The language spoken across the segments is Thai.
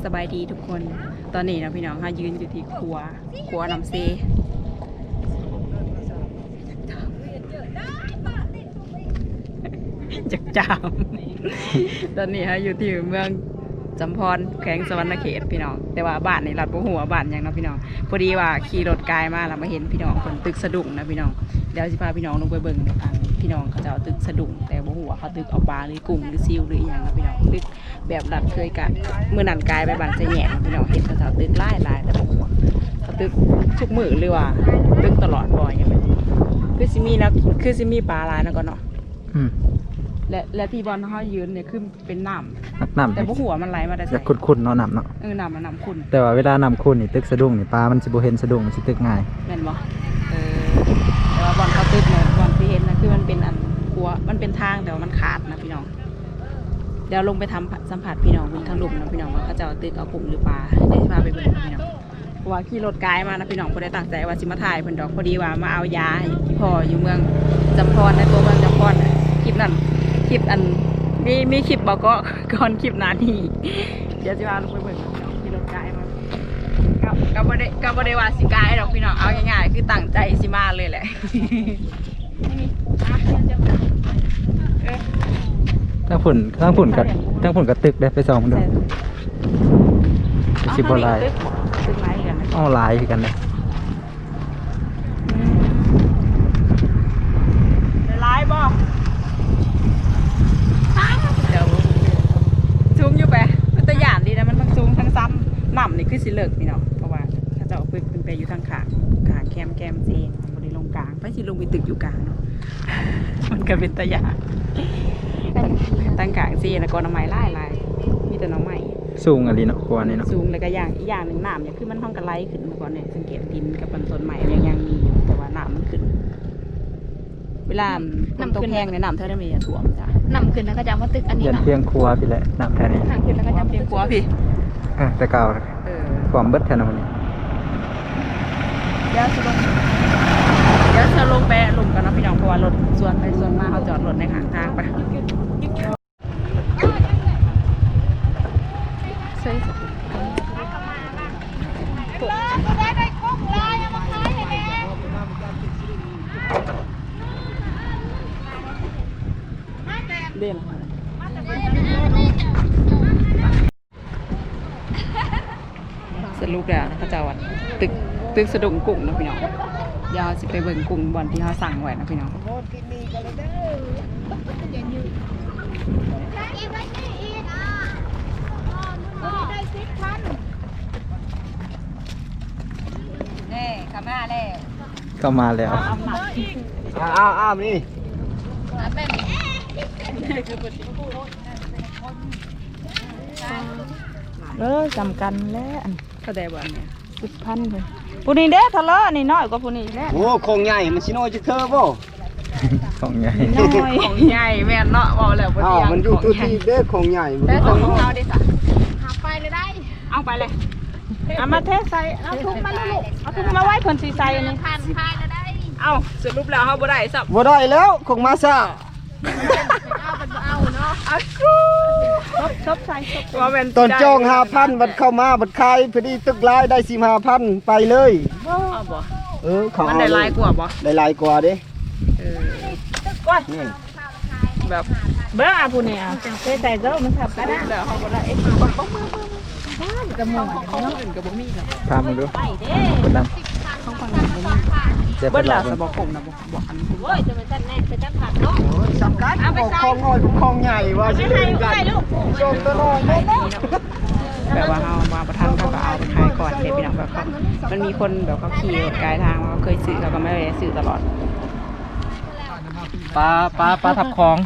สบายดีทุกคนตอนนี้นะพี่น้องค่ะยืนอยู่ที่ครัวน้ำเซจักจามตอนนี้ค่ะอยู่ที่เมืองจำพรแขวงสวรรณเขตพี่น้องแต่ว่าบ้านในรัฐบัวหัวบ้านยังนะพี่น้องพอดีว่าขี่รถกายมาแล้วมาเห็นพี่น้องคนตึกสะดุ้งนะพี่น้องเดี๋ยวจะพาพี่น้องลงไปเบิ่งนะคะพี่น้องเขาจะเอาตึกสะดุ้งแต่บัวหัวเขาตึกเอาปลาหรือกุ้งหรือซิวหรืออย่างนะพี่น้องตึกแบบรัดเคยกันเมื่อนันกายไปบ้านเสียแหน่พี่น้องเห็นเขาจะเอาตึกไล่แต่บัวหัวเขาตึกชุกมือหรือว่าตึกตลอดบ่อยอย่างไรคือซิมีนะคือซิมีปลาลายนะก่อนเนาะและที่บอลเขายืนเนี่ยคือเป็นน้ำแต่พวกหัวมันไหลมาแต่จะขุ่นๆเนาะน้ำเนาะน้ำมันน้ำขุ่นแต่ว่าเวลาน้ำขุ่นนี่ตึกสะดุ้งนี่ปลามันสิบ่เห็นสะดุ้งมันสิตึกง่ายแม่นบ่แต่ว่าบอลเขาตึกเนี่ยบอลที่เห็นนะคือมันเป็นอันหัวมันเป็นทางแต่ว่ามันขาดนะพี่น้องเดี๋ยวลงไปทำสัมผัสพี่น้องบนทางลุ่มนะพี่น้องว่าเขาจะเอาตึกเอากลุ่มหรือปลาเดี๋ยวจะพาไปเบิ่งพี่น้องเพราะว่าขี่รถไกด์มานะพี่น้องพอได้ตั้งใจว่าสิมาถ่ายเพิ่นดอกพอดีว่ามาเอายาที่พ่ออยู่เมืองจำพรในตัวเมืองจำพรคลิปนั้นคลิปอันมีคลิปบอกก็ก่อนคลิปนาทีเดี๋ยวจะมาลงไปเบิ่งขี่รถไกด์มากับบ่ได้ว่าสิไกด์ดอกพี่น้องเอาง่ายๆคือตั้งใจสิมาเลยแหละทั้งผุ่นกับตึกได้ไปส่องมันดูสิบ่ลายตึกไม้กันอ้อลายคือกันเลยลายบ่เดี๋ยวซูมอยู่ไปมันตัวอย่างดีนะมันทั้งซูมทั้งซ้ำหน่ำนี่คือสิเลิกพี่น้องเพราะว่าถ้าจะเอาไปเป็นไปอยู่ทางขางแคมซีบริลงกลางไปสิลงไปตึกอยู่กลางเนาะมันก็เป็นตัวอย่างตั้งกลางซีแล้วก็น้ำไม้ไล่มีแต่น้ำไม้สูงอะไรเนาะกว่านี่เนาะสูงแล้วก็อย่างหนึ่งน้ำเนี่ยคือมันห้องกระไลขึ้นมาก่อนเนี่ยสังเกตดินกับต้นไม้ยังมีอยู่แต่ว่าน้ำมันขึ้นเวลาน้ำตกแห้งเนี่ยน้ำเท่านั้นมีถ่วมจ้ะน้ำขึ้นแล้วก็จะมาตึกอันนี้ยันเพียงครัวพี่แหละน้ำแค่นี้น้ำขึ้นแล้วก็จะเพียงครัวพี่แต่เก่าความเบิดแค่นั้นนี่เดี๋ยวจะลงไปลงกันนะพี่น้องเพราะว่ารถส่วนไปส่วนมาเขาจอดรถในข้างทางไปเด่นสรุปแล้วนะพระเจ้าวัดตึกสะดุ้งกุ้งนะพี่น้องยาวสิไปเบิ่งกุ้งบอลที่เขาสั่งไว้นะพี่น้องนี่เข้ามาแล้วอ้าวนี่จำกันแล้วก็ได้บ่เนี่ย10,000เลยผู้นี้เด้ทะเลาะนี่น้อยกว่าผู้นี้แล้วโอ้คงใหญ่มันสิน้อยจะเธอบ่ของใหญ่ของใหญ่แม่นเนาะบอกแล้วบ่เที่ยงมันอยู่ตัวที่เด้ของใหญ่ได้ของเอาได้ซะหาไปเลยได้เอาไปเลยเอามาเทใส่เอาถุงมาลูกเอาถุงมาไว้เพิ่นสิใส่อันนี้ผ่านไปเลยได้เอาสรุปแล้วเฮาบ่ได้ซับบ่ได้แล้วคงมาซะเอาเนาะเอาชบใส่ว่าแม่นตอนจอง 5,000 บัดเข้ามาบัดขายพอดีตึกลายได้ 15,000 ไปเลยเอาบ่เขามันได้หลายกว่าบ่ได้หลายกว่าเด้ก้อยแบบเบิ่งอ่ะผู้นี้อ่ะใส่เด้อมันทับกันแล้วเฮาบ่ได้บ่มือกระหม่อมเนาะอื่นก็บ่มีหรอกถามมึงดูคนดำของฝั่งนี้บ่มีเบิ่งล่ะสบ่คมนะบ่อันโอ้ยจะมันสั่นแน่จะจับผักเนาะสำคัญของน้อยของใหญ่ว่าสิเล่นกันชมตลอดแบบว่าเอามาประทันเขาก็เอาไปขายก่อนเดี๋ยวพี่น้องแบบมันมีคนแบบเขาขี่รถไกลทางเขาเคยซื้อเขาก็ไม่ได้ซื้อตลอดปลาทับคลอง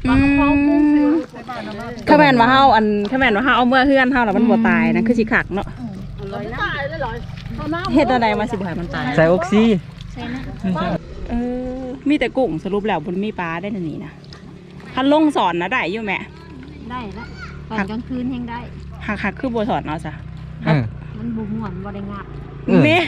ข้าแม่นว่าเฮาเอาเมื่อเฮือนเฮาแล้วมันบ่ตายนะคือสิขักเนาะเฮ็ดอะไรมาสิบ่ให้มันตายใส่ออกซิมีแต่กุ้งสรุปแล้วบ่มีปลาได้นี่นะคันลงสอนนะได้อยู่แม่ได้ละตอนกลางคืนยังได้หักคือบ่สอนเอาซะมันบ่ม่วนบ่ได้งับแม่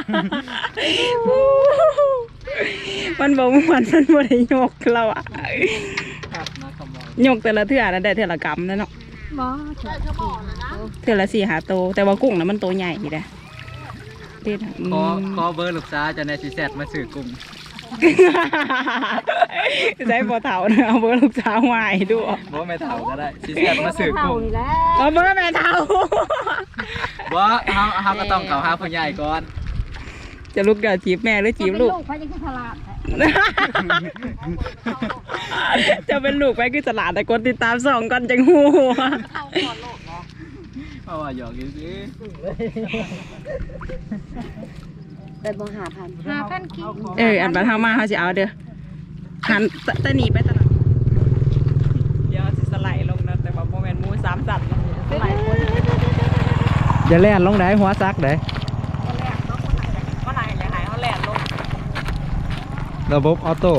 มันบ่ม่วนมันบ่ได้ยกเราอ่ะยกแต่ละเทื่อนะได้เทื่อละกำนั่นเนาะบ่เถอะเทื่อละ4 5โตวแต่ว่ากุ้งน่ะมันโตใหญ่อยู่เด้เด็ดขอเบอร์ลูกสาวจะในสิแซดมาซื้อกุ้งใช้บ่เฒ่านะเอาเบอร์ลูกสาวมาให้ดูบ่ไม่เฒ่าก็ได้สิแซดมาซื้อเท่ากุ้งนี่แหละเอาเบอร์แม่เฒ่าบ่เฮาก็ต้องเข้าหาผู้ใหญ่ก่อนจะลูกเดี๋ยวจีบแม่หรือจีบลูกเขาจะคือฉลาดจะเป็นลูกไปคือตลาดแต่กดติดตาม2ก่อนจังฮู้เพราะว่าหยอกอยู่สิได้บ่5,000กิโลอันบัดเฮามาเฮาสิเอาเด้อหันตะหนีไปตลาดเดี๋ยวสิสไลด์ลงนะแต่ว่าบ่แม่นหมู3สัตว์นะสไลด์คนอย่าแล่นลงได้หัวซักได้ก็ไหนอย่าหายเฮาแล่นลงระบบออโต้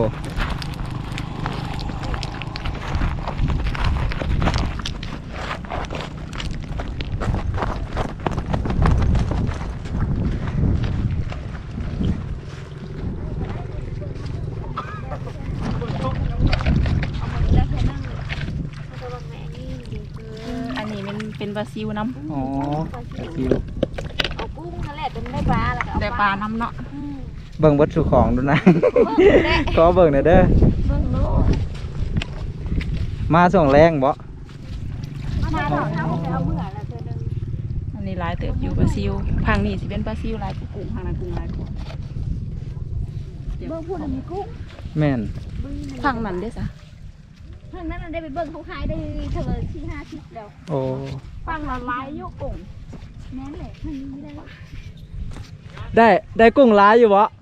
อันนี้มันเป็นบราซิลน้ำอ๋อคิวเอากุ้งนั่นแหละเป็นได้ปลาแล้วก็เอาได้ปลาน้ำเนาะเบิ่งเบิดสู่ของดูนะ ขอเบิ่งหน่อยเด้อเบิ่งโลมาส่งแรงบ่มาเท่าไปเอาเมื่อแล้วเธอนึงอันนี้หลายเติบอยู่บราซิลพังนี่สิเป็นบราซิลหลายกว่ากุ้งพังนั้นกุ้งหลายกว่าเบิ่งพูดมีกุ้งแม่นพังนั้นเด้อซะทางนั้นได้ไปเบิ่งเขาขายได้เท่า4-5 แล้วโอ้พังละหลายอยู่กุ้งแม่นแหละทางนี้ได้ได้กุ้งหลายอยู่บ่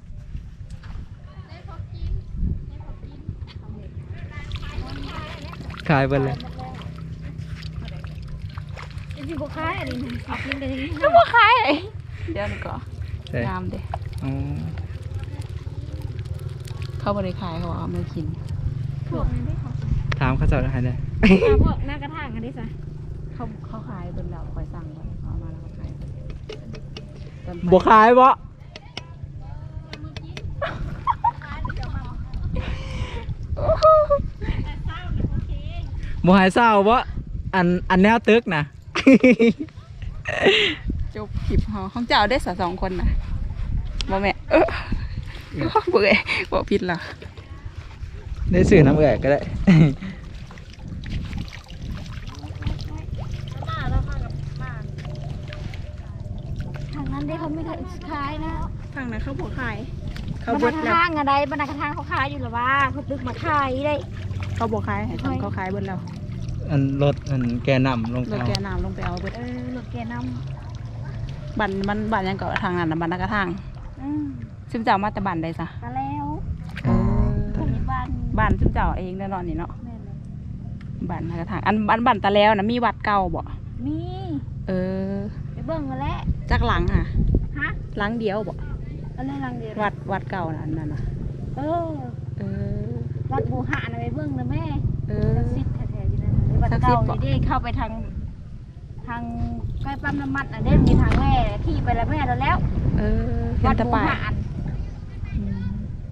ขายเบิดเลยสิบ่ขายอันนี้กินได้ก็บ่ขายเดี๋ยวนี้ก็ใช่งามเด้อ๋อเขาบ่ได้ขายเขาเอามากินพวกนี้ได้เขาถามเขาเจ้าได้ได้พวกหน้ากระถางกันได้ซะเขาขายเบิ่นแล้วคอยสั่งไว้เอามาแล้วก็ขายต้นไปบ่ขายบ่บ่หายเศร้าบ่อันแนวตึกนะจบคลิปเฮาของเจ้าได้อสะ2คนน่ะบ่แม่เบื่อบ่ผิดล่ะได้สื่อน้ำเอื่อยก็ได้ทางนั้นได้เขาไม่ได้ขายนะทางนั้นเขาบ่ขายเขาเขาบเบิดดแล้วทางอะไรบรรดากระทางเขาขายอยู่หรอวะเขาตึกมาขายได้เขาบ่ขายให้ทางเขาขายเบิดแล้วอันรถอันแกนำลงรถเอาแกน้ำลงไปเอาเบิดรถแกน้บันมันบันยังเกาะทางนั้นน่ะบันนักกระทางำซึ่งเจ้ามาแต่บันใดซะก็แล้วเออคนในบ้านบ้านซึ่งเจ้าเองแน่นอนนี่เนาะแม่เลยบ้านนักกระทางอันบ้านตะแล้วนะมีวัดเก่าบ่มีเออไปเบิ่งมาแล้วจักหลังอ่ะฮะหลังเดียวบ่อะไรลังเดียววัดเก่าน่ะอันนั่นน่ะเออเออวัดบูหะนะไปเบิ่งนะแม่เออศักดิ์สิทธิ์แท้ๆอยู่นั่นน่ะวัดเก่านี่ได้เข้าไปทางใกล้ปั๊มน้ำมันน่ะได้มีทางแม่ขี่ไปแล้วแม่แล้วเออเห็วัน ดแตะบูปายหะอืม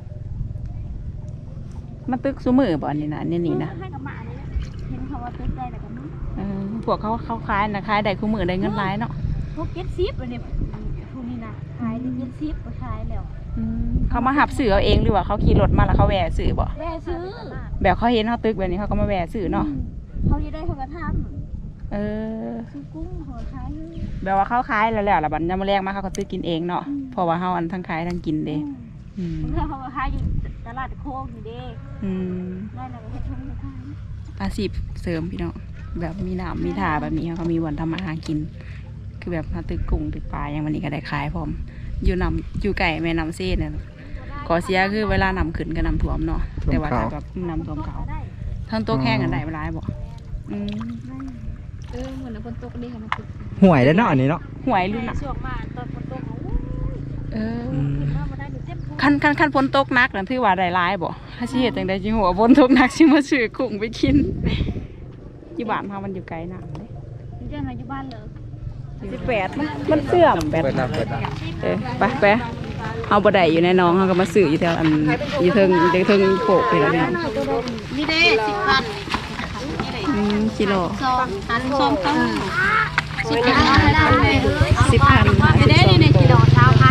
มันตึกซุมือบ่อันนี่นะอันนี่นะให้กับหมานี่เห็นเขาว่าตึกได้แต่กันมั้งเออพวกเขาขายนะขายได้คู่มือได้เงินหลายเนาะพวกเก็ตซิปอันนี้พวกนี้นะขายได้เก็ตซิปก็ขายแล้วเขามาหับสื่อเอาเองหรือว่าเขาขี่รถมาแล้วเขาแหวะสื่อบ่แม่ซื้อแบบเขาเห็นเขาตึกแบบนี้เขาก็มาแหวะสื่อเนาะเขาจะได้เขากระทเออำซื้อกุ้งหัวขายแบบว่าเขาขายแล้วแล้วบัดยามมื้อแรงมาเขาก็ตึกกินเองเนาะเพราะว่าเฮาอันทั้งขายทั้งกินเด้อืมเพื่อเขาขายอยู่ตลาดโคกนี่เด้อืมได้แล้วก็เฮ็ดทุ่งขายอาชีพเสริมพี่น้องแบบมีน้ำมีท่าแบบนี้เขามีวันทำมาหากิน คือแบบมาตึกกุ้งตึกปลาอย่างวันนี้ก็ได้ขายพร้อมอยู่ไก่แม่น้ำเส้นเนี่ยขอเสียคือเวลาน้ำขึ้นก็น้ำท่วมเนาะแต่ว่าถ้าแบบน้ำท่วมเขาได้ทั้งโต๊ะแข้งกันได้เวลาบอกอืมเหมือนคนตกดีค่ะมันคือห่วยได้เนาะอันนี้เนาะหวยรุ่นอ่ะช่วงมาตอนฝนตกโอ้ยเออขึ้นมาได้อยู่เต็มทุ่งคันฝนตกหนักนั่นถือว่าได้หลายบ่ถ้าสิเฮ็ดจังได๋จิหัวฝนตกหนักสิมาซื้อกุ้งไปกินอยู่บ้านเฮามันอยู่ไกลน้ำเด้อยู่จังไรอยู่บ้านเลย 18มันเสื่อมแบเปิบดรับเปิดรับไปเอาบ่ได้อยู่ในหน้องเฮาก็มาซื้ออยู่แถวอันอยู่เทิงโขกนี่ล่ะพี่น้องนี่เด้10,000 อืกิโลส้มต้ม10,000 10,000 ได้ในกิโล1,000พัน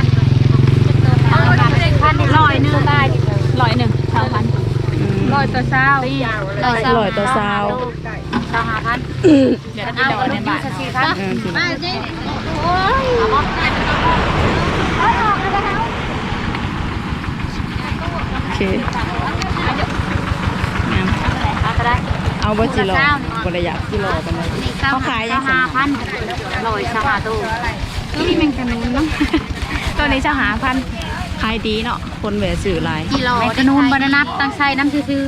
100นึงได้100นึง1,000 100ตัวเช้า100ตัวเช้า25,000เดี๋ยวเอาในบาท4,000มาสิโอ้ยโอเคงามเอาบ่จิโลบ่ได้อยากกิโลปานใดเขาขายยังไง 5,000 100สหาตู้นี่แมงกะนูนเนาะตัวนี้5,000ขายดีเนาะคนแหวซื้อหลายกิโลแมงกะนูนบ่ได้นับตั้งใส่น้ำซื่อ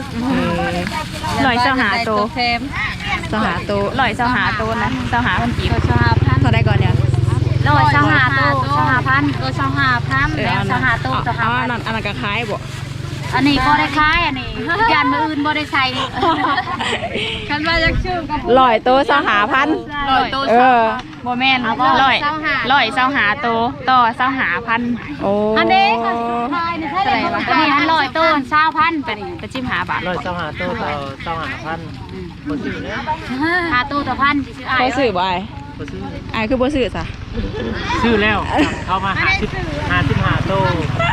125ตัว25ตัว125ตัวนะ25,000กีบ 25,000 เท่าได้ก่อนเนี่ย 125ตู้25,000ตัว25,000แล้ว25ตู้อันนั้นก็ขายบ่อันนี้บ่ได้ขายอันนี้ยานมื้ออื่นบ่ได้ใส่คันว่าจักชื่อก็ 100ตัว25,000 100ตู้บ่แม่น125ตัวต่อ25,000โอ้อันนี้ก็ขายนี่ใช่เลยอันนี้อัน100ตู้20,000ไปนี่ไปจิ้ม5 บาท 125ตัวต่อ25,000บ่ซื้อแล้ว 5ตู้ต่อ1,000สิซื้ออ้ายเขาซื้อบ่อ้ายบ่ซื้ออ้ายคือบ่ซื้อซะซื้อแล้วเข้ามา55ตัว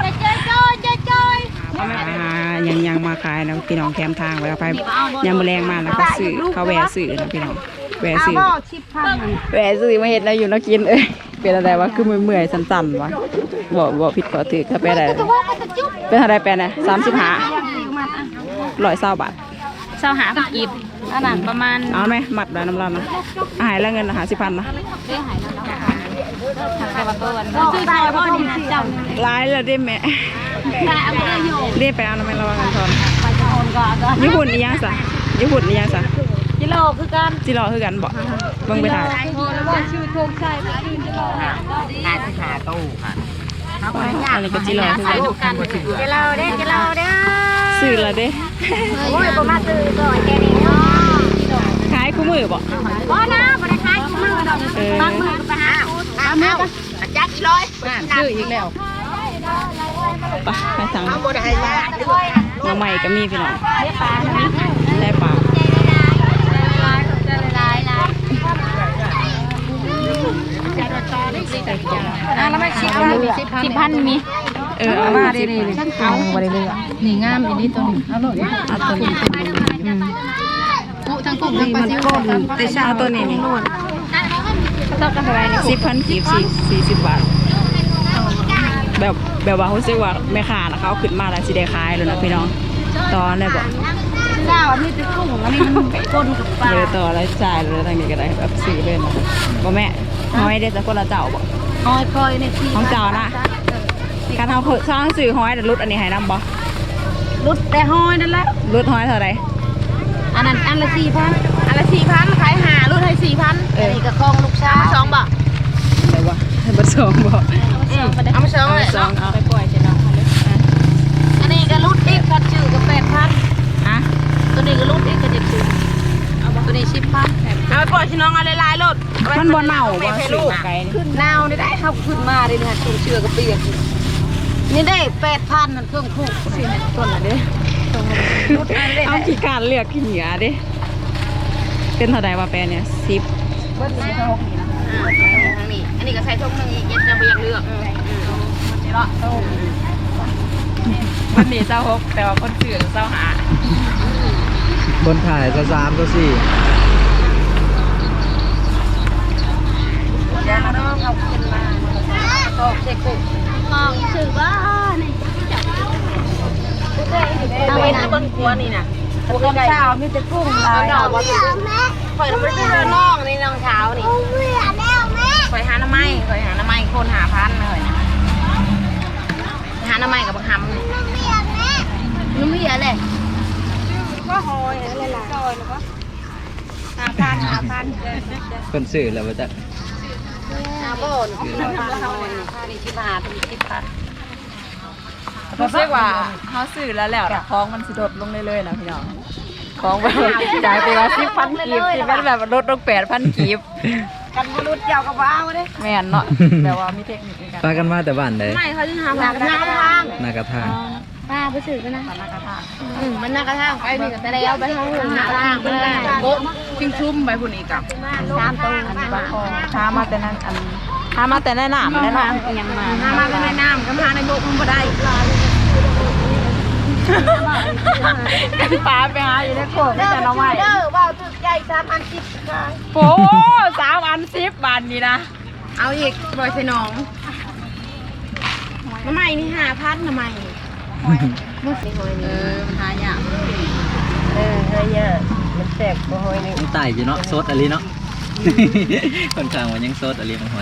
ยังมาขายนะพี่น้องแคมทางไว้เอาไปยามมื้อแรงมาแล้วก็ซื้อเขาแวะซื้อนะพี่น้องแวะซื้อมาเฮ็ดแล้วอยู่เนาะกินเป็นอะไรวะคือเมื่อยๆสั่นๆวะบ่ผิดก็ถือก็ไปได้เป็นอะไรไปนะ35 120 บาท25,000กีบอันนั้นประมาณเอาไหมมัดได้น้ำร้อนนะหายแล้วเงิน50,000นะร้ายแล้วได้แม่ได้ไปเอาน้ำมันระวังกันทอนญี่ปุ่นนี่ยังซะกิโลคือกันบ่เบิ่งไปถ่ายตู้อันนี้ก็จิโลคือกันกิโลเด้ซื้อแล้วเด้โอ้ยบ่มาซื้อก่อนแกนี่เนาะขายคู่มือบ่บ่นะบ่ได้ขายมือดอกบางมือก็ไปหาเอามือก็จักอีร้อยซื้ออีกแล้วไปให้สั่งน้องใหม่ก็มีพี่น้องได้ปลาแล้วไม่10,000มีเอามาดิเอาบ่ได้เลยนี่งามอีนี่ตัวนี้เอาโลดเอาตัวนี้ทั้งกุ้งทั้งปลาซิวแต่ชาตัวนี้นี่ต้องกันเท่าไหร่นี่10,000กีบ40 บาทแบบว่ารู้สึกว่าแม่ค้านะเขาขึ้นมาแล้วสิได้ขายแล้วนะพี่น้องตอนได้บ่เจ้าอันนี้จะกุ้งอันนี้มันก้นกับปลาเลยต่อแล้วจ่ายเลยทางนี้ก็ได้แบบซื้อเลยนะบ่แม่ห้อยได้แต่คนละเจ้าบ่หอยคอยในที่ของเจ้านะการเอาสร้างสื่อห้อยแต่รุดอันนี้ให้นำบ่รุดแต่หอยนั่นแหละรุดห้อยเท่าไรอันนั้นอันละ4,000อันละ4,000ขาย5รุดให้4,000อันนี้ก็ของลูกชาย2บาทอะไรวะให้เบอร์สองบ่เอามา2เลยสองเอาไปปล่อยใช่น้องมาเลยอันนี้ก็รุดอีกก็ชื่อก็8,000 ฮะตัวนี้ก็รุดอีกก็7,000เอาตัวนี้10,000เอาไปปล่อยพี่น้องเอาหลายๆรถมันบ่เน่าบ่สื่อไกลนี่ขึ้นนาวได้เขาขึ้นมาได้เนี่ยเครื่องเชื่อก็เปียกนี่ได้8,000นั่นเครื่องคู่ต้นละเด้เอาขี้การเลือกขี้เหนียดิเป็นเท่าใดว่าแปลเนี่ย10 เบิ้ลนี่ทาง6นี่นะทางนี้อันนี้ก็ใส่ถุงนึงอีกจะบ่อยากเลือกนี่เนาะวันนี้26แต่ว่าคนซื้อ25 คนถ่ายก็3ก็4 เดี๋ยวน้องเอาขึ้นมาตอกใส่กุ้งมองถือว่านี่เอาไว้บนครัวนี่น่ะกุ้งเช้ามีแต่กุ้งลายเอาบ่ถูกข่อยไม่ได้น้องนี่น้องเช้านี่ข่อยหาน้ำไม้คนหาพันเลยหาน้ำไม้กับบักหำนุ่มเหี้ยเลยก็หอยอะไรล่ะซอยหรือเปล่า5,000 คนซื้อแล้วบ่จ๊ะบ่นนี่15,000 รู้สึกว่าเขาซื้อแล้วของมันสิลดลงเรื่อยๆนะพี่น้องของแบบจ่ายไปว่า10,000กีบที่มันแบบลดลง8,000กีบกันบ่รุดเจ้าก็บ่เอาเด้แม่นเนาะแต่ว่ามีเทคนิคในการพากันมาแต่บ้านใดไม่เขาจะหาหากระทางนากระทางป้าไปสื่อกันนะตอนนักกระทางมันน่ากระทั่งไปนี่ก็แต่แล้วไปทางอื่นน่ากระทั่งไปเลยโบ๊ะชิงชุ่มไปพุ่นอีกกับ 3ตัวอันนี้บางคอท้ามาแต่นั้นอันท้ามาแต่ในหนามแล้วเนาะยังมามาแต่ในน้ำก็มาในโบ๊ะมันบ่ได้กันปลาไปหาอยู่ในโขงแต่น้องใหม่ว่าวตึกใหญ่3,010ค่ะโอ้3 อัน10 บาทนี่นะเอาอีกบ่อยใส่น้องน้ำใหม่นี่5,000น้ำใหม่มุสลิมมันหายากเฮ้ยเนี่ยมันแตกบ่หอยนี่มันไต่อยู่เนาะโซดอะไรเนาะ ค่อนข้างว่ายังโซดอะไรมันหอย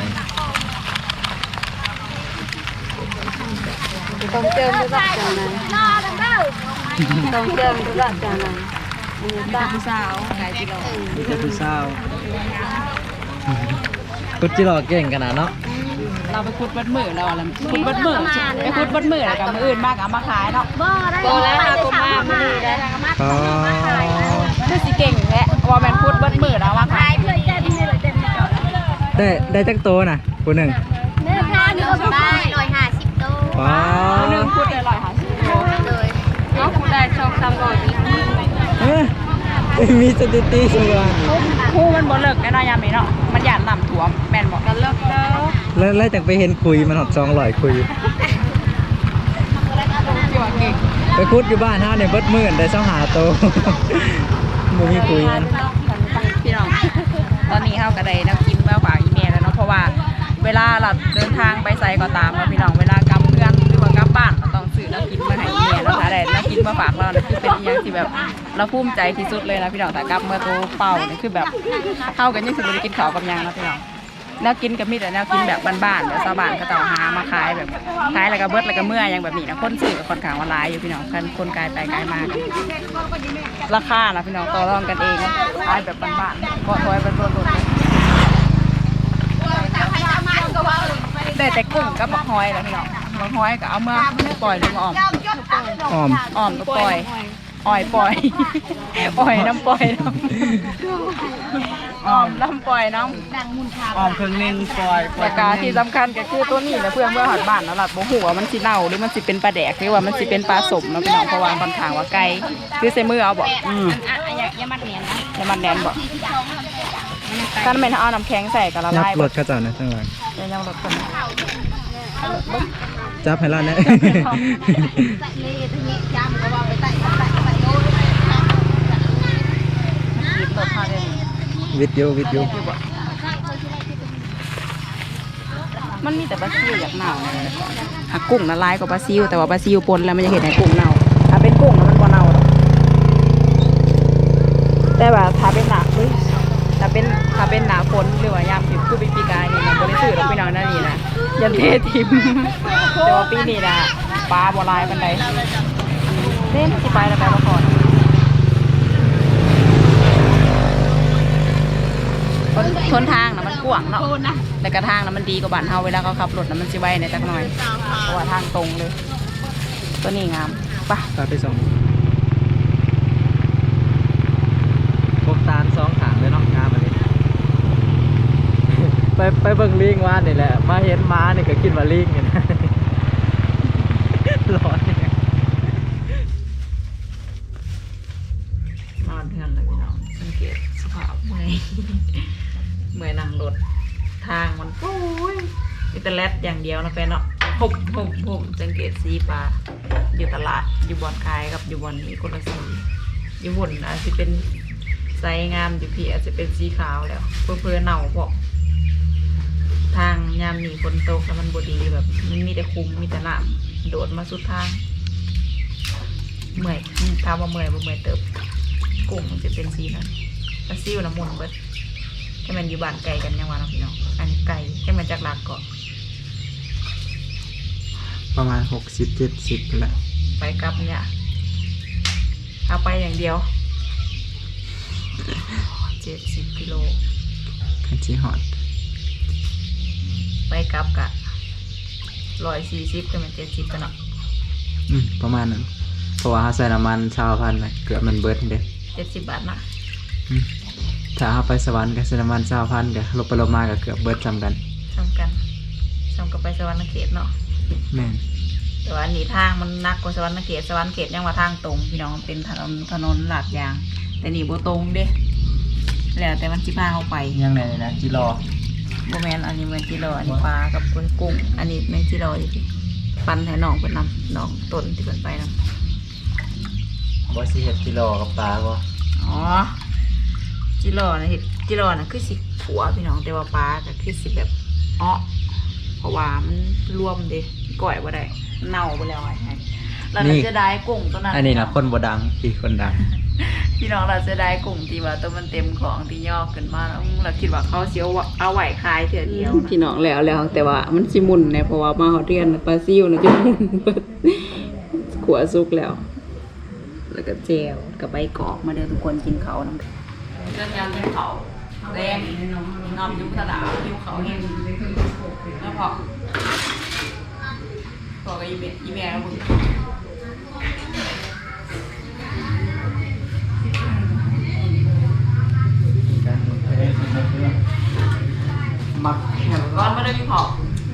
ต้องเจิมทุกอย่างจังนั้นต้องเจิมทุกอย่างจังนั้นตาผู้สาวไก่จิโร่มีแต่ผู้สาวกุดจิหลอกเก่งขนาดเนาะเราไปขุดบัดมือเราอะไรขุดบัดมือไปขุดบัดมือแล้วกับมืออื่นมากเอามาขายเนาะบ่แล้วค่ะก็มาบ่ดีได้อ๋อคือสิเก่งแหละว่าแมนขุดบัดมือแล้วมาขายได้จักโตน่ะผู้หนึ่งเนื้อผ้านี่ก็ได้150ตัวว้าคนหนึ่งขุดได้150 โลเลยเอาขุดได้2-3 ร้อยเอ้ยมีสถิติสว่างคู่มันบ่เลิกแน่นอนยามนี้เนาะมันหยาดน้ำท่วมแม่นบอกกันเลิกแล้วแล้วจากไปเห็นคุยมันหอด200คุยพี่ว่าเก่งไปคุดอยู่บ้านเฮาเนี่ยเบิดมื้อได้25โต บ่มีคุยมันพี่น้องตอนนี้เฮาก็ได้น้ำกินมาฝากอีเมลแล้วเนาะเพราะว่าเวลาเราเดินทางไปไสก็ตามแล้วพี่น้องเวลากลับเพื่อนหรือว่ากลับบ้านเราต้องซื้อน้ำกินมาให้อีเมลแล้วถ้าได้น้ำกินมาฝากเราเนี่ยคือเป็นอย่างที่แบบเราภูมิใจที่สุดเลยนะพี่น้องแต่กลับเมื่อตัวเป่าเนี่ยคือแบบเฮากันยังสิบ่ได้กินข้าวกับหยังนะพี่น้องแนวกินก็มีแต่แนวกินแบบบ้านๆแบบชาวบ้านก็ต้องหามาขายแบบขายแล้วก็เบิดแล้วก็เมื่ออย่างแบบนี้นะคนซื้อก็ค่อนข้างว่าหลายอยู่พี่น้องคนกายไปกายมาราคานะพี่น้องต่อรองกันเองขายแบบบ้านๆก็ถอยเป็นรถๆแต่กุ้งกับบักฮอยนะพี่น้องบักฮอยก็เอามาปล่อยลงอ้อมอ้อมอ้อมก็ปล่อยอ้อยปล่อยอ้อยน้ำปล่อยน้ำอ้อมน้ำปล่อยน้ำออมครึ่งนึงปล่อยแต่กาที่สำคัญก็คือตัวนี้นะเพื่อนเมื่อหัดบ้านนะหลัดบ่หัวามันสิเน่าหรือมันสิเป็นปลาแดกหรือว่ามันสิเป็นปลาสมเนาะพี่น้องเพราะว่าค่อนข้างว่าไกลคือใส่มือเอาบ่อย่ามัดแน่นบ่ถ้าแม่นเอาน้ำแข็งใส่ก็ละยับลายรบ่ถเขาเจ้านะข้างหลังเดี๋ยวยังรถคนจับให้เราเนี่ยรถพาเดินวิทยุวิทยุมันมีแต่ปลาซิวอยากเน่าเนี่ยหากุ้งละลายกว่าปลาซิวแต่ว่าปลาซิวปนแล้วมันจะเห็นให้กุ้งเน่าถ้าเป็นกุ้งแล้วมันบ่เน่าหรอกแต่ว่าถ้าเป็นหนักถ้าเป็นหนาฝนหรือว่ายามผิวคือปีกายนี่มันบริสุทธิ์ลงไปนอนนั่นนี่นะยันเททิมแต่ว่าปีนี้นะปลาบัวลายปันใดเล่นที่ไปแล้วไปละครทนทางนะมันกว้างเนาะแต่กระทางนะมันดีกว่าบ้านเฮาเวลาเขาขับรถนะมันสิไวในจักหน่อยเพราะว่าทางตรงเลยตัวนี้งามไปตาไปส่งพวกตาล2ขางเลยเนาะงามอันนี้ ไปเบิ่งลิงว่านี่แหละมาเห็นม้านี่ก็คิดว่าลิงนี่นะ ร้อนนอนเพื่อนเลยพี่น้องสังเกตสภาพเมื่อย เมื่อยนั่งรถทางมันปุ้ยมีแต่แรดอย่างเดียวนะแฟนเนาะผมสังเกตสีปลาอยู่ตลาดอยู่บอนคายกับอยู่บอนนี้คนละสีอยู่บนอาจจะเป็นไซงามอยู่พี่อาจจะเป็นสีขาวแล้วเพื่อเน่าพวกทางยามหนีฝนตกแล้วมันบดีแบบมันมีแต่คุ้มมีแต่น้ำโดดมาสุดทางเมื่อยถามว่าเมื่อยบ่เมื่อยเติบกุ้งมันจะเป็นสีนั้นปลาซิวน้ำมันเบิดแค่มันอยู่บ้านไกลกันยังวะน้องพี่น้องอันนี้ไกลแค่มันจากหลักเกาะประมาณ60-70แหละไปกลับเนี่ยเอาไปอย่างเดียว70 กิโลคันชีฮอดไปกลับกะ140ก็มัน70กันเนาะประมาณนั้นเพราะว่าเฮาใส่น้ำมัน20,000ไปเกือบมันเบิดเด้ 70 บาทนะถ้าเฮาไปสวรรค์ก็ใส่น้ำมัน20,000ก็ลบไปลบมาก็เกือบเบิดซ้ำกันซ้ำกับไปสวรรค์เขตเนาะแม่นแต่ว่าอันนี้ทางมันนักกว่าสวรรค์เขตยังว่าทางตรงพี่น้องเป็นถนนลาดยางแต่นี่บ่ตรงเด้แล้วแต่มันสิพาเข้าไปยังไงนะจิรอบ่แม่นอันนี้แม่นจิรออันนี้ปลากับกุ้งอันนี้แม่นจิรอดิปันให้น้องเพิ่นนำน้องต้นที่เพิ่นไปนำบ่สิเฮ็ดจิรอกับปลาบ่อ๋อจิรอนะเห็ดจิรอนะคือสิขัวพี่น้องแต่ว่าปลาก็คือสิแบบอ้อเพราะว่ามันรวมเด้ก่อยบ่ได้เน่าไปแล้วไงเราจะได้กุ้งตัวนั้นอันนี้นะคนบ่ดังพี่คนดังพี่น้องเราจะได้กุ้งที่ว่าตัวมันเต็มของที่ย่อขึ้นมาแล้วเราคิดว่าเขาเสียวเอาไหวคายเถื่อเดียวพี่น้องแล้วแต่ว่ามันสิมุนเนี่ยเพราะว่ามาฮอดเรียนปลาซิวนะจะมุนขัวสุกแล้วแล้วก็เจลกับใบกอกมาเดินทุกคนกินเขาน้ำเรื่องยำกินเขาแรงนอมยุบตะดาวยุบเขาเองแล้วพอกับอีเมลแล้วมึงมักก้อนไม่ได้มีพอ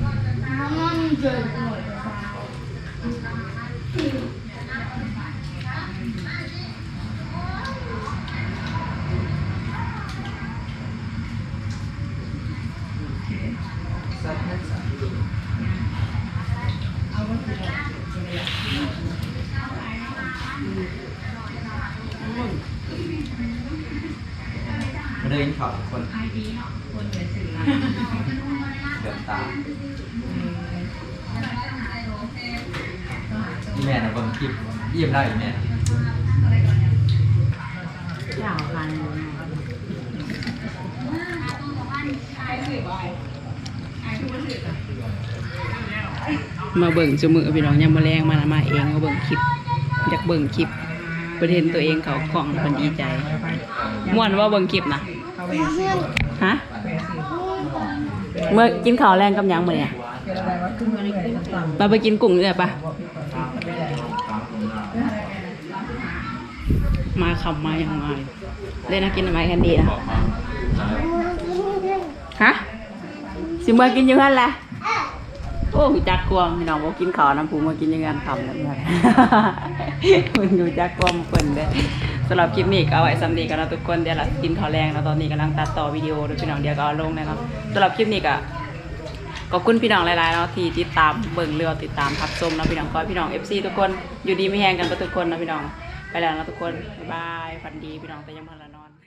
มาเดินเขาทุกคนเดือดตาอีแม่นะเบิ่งคลิปยิ้มได้อีแม่มาเบิ่งจมือพี่น้องยังมาแรงมาเองมาเบิ่งคลิปอยากเบิ่งคลิปประเด็นตัวเองเขาของคนดีใจม่วนว่าเบิ่งคลิปนะฮะเมื่อกินข้าวแรงกับยังมื้อเนี่ยไปกินกุ้งเลยปะมาขำมาอย่างมาเล่นนะกินอะไรกันดีนะฮะสิมากินอยู่กันแหละโอ้จักกวมพี่น้องบอกกินข้าวน้ำผูมากินยังไงทำแล้วเนี่ยมึงดูจักกวมเปิ่นเลยสำหรับคลิปนี้ก็เอาไว้ซ้ำดีกันนะทุกคนเดี๋ยวเรากินข้าวแรงแล้วตอนนี้กำลังตัดต่อวิดีโอด้วยพี่น้องเดี๋ยวก็เอาลงนะครับสำหรับคลิปนี้ก็ขอบคุณพี่น้องหลายๆเนาะที่ติดตามเบิ่งเรือติดตามทับชมนะพี่น้องก็พี่น้อง FC ทุกคนอยู่ดีไม่แห้งกันทุกคนนะพี่น้องไปแล้วนะทุกคนบ๊ายบายฝันดีพี่น้องแต่ยังพันละเนาะ